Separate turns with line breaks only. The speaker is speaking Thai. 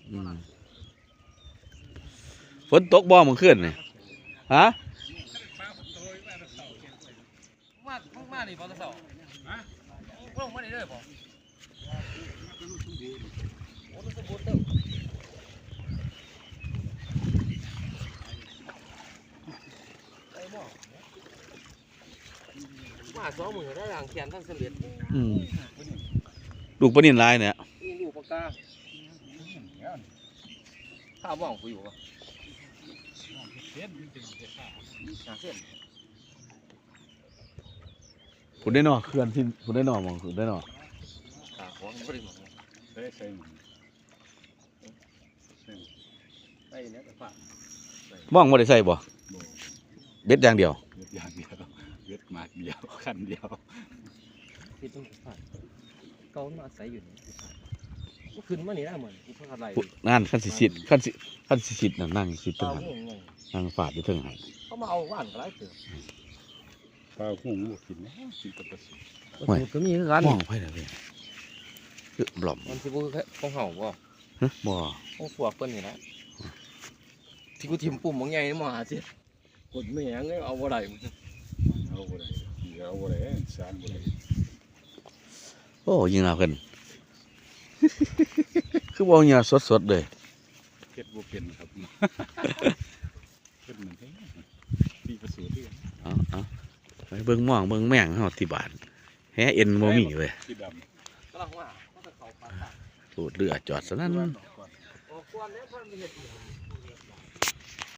ฝนตกบ่เมื่อคืนนี่ฮะ
มานี่บ่ตะเสาฮะลงมานี่เด้อบ่โอ้สมบูรณ์เด้อไอ้บ่มา2มื้อได้หลังเขียนทั้งสำเร็จ
ลูกปลานิ่นลายเนี่ย
นี่ลูกปากกาข้าวบ้องกูอยู่ป่ะเส้น
ผุดได้หนอเคลื่อนที่ผุดได้หนอมองผุดได้หนอ
ขาของไม่ได้หมดได้ใส่ใส่เนี่ยแต่ฝ
มองไม่ได้ใส่บ่เบ็ดอย่างเดียว
เบ็ดมาเดียวคันเดียว
ที่ต้องฝเกามาใส่อยู่นี่ขึ้นมานี่ได้เหมือนที่เขาอะไร
นั่นขั้นสิทธิ์ขั้นสิทธิ์นั่งสิทธิ์ตั้งนั่งฝาดอยู่เทิงหัน
เขามาเอาว่านก็ได้เถอะ
ปลาหุ้งลูกกินนะกินกับปลา
สูตรก็มีกัน
มองไปเลยบล่อม
มันที่พวกของเห่าบ่
บ่
ของพวกเปิ้นนี่นะที่กูทิมปุ่มบางใหญ่นี่มาสิกดไม่ยังเอาบ่ได้
เอาบ่ได้สารบ่ได้
โอ้ยิงเอาขึ้นคือบ่เนี่ยสดๆเลย
เฮ็ดบ่เป็นครับเฮ็ดเหมือนปีประสูติ
เอาไปเบิ่งม่วงเบิ่งแมงเฮาที่บ้านแฮเอ็นบ่มีเว้ย
สีดำ
กำลังว่าเขาจะเข้าปาก
สูดเรือจอดซะนั่น
โอ้ควรแล้วเพิ่นมีเฮ็ด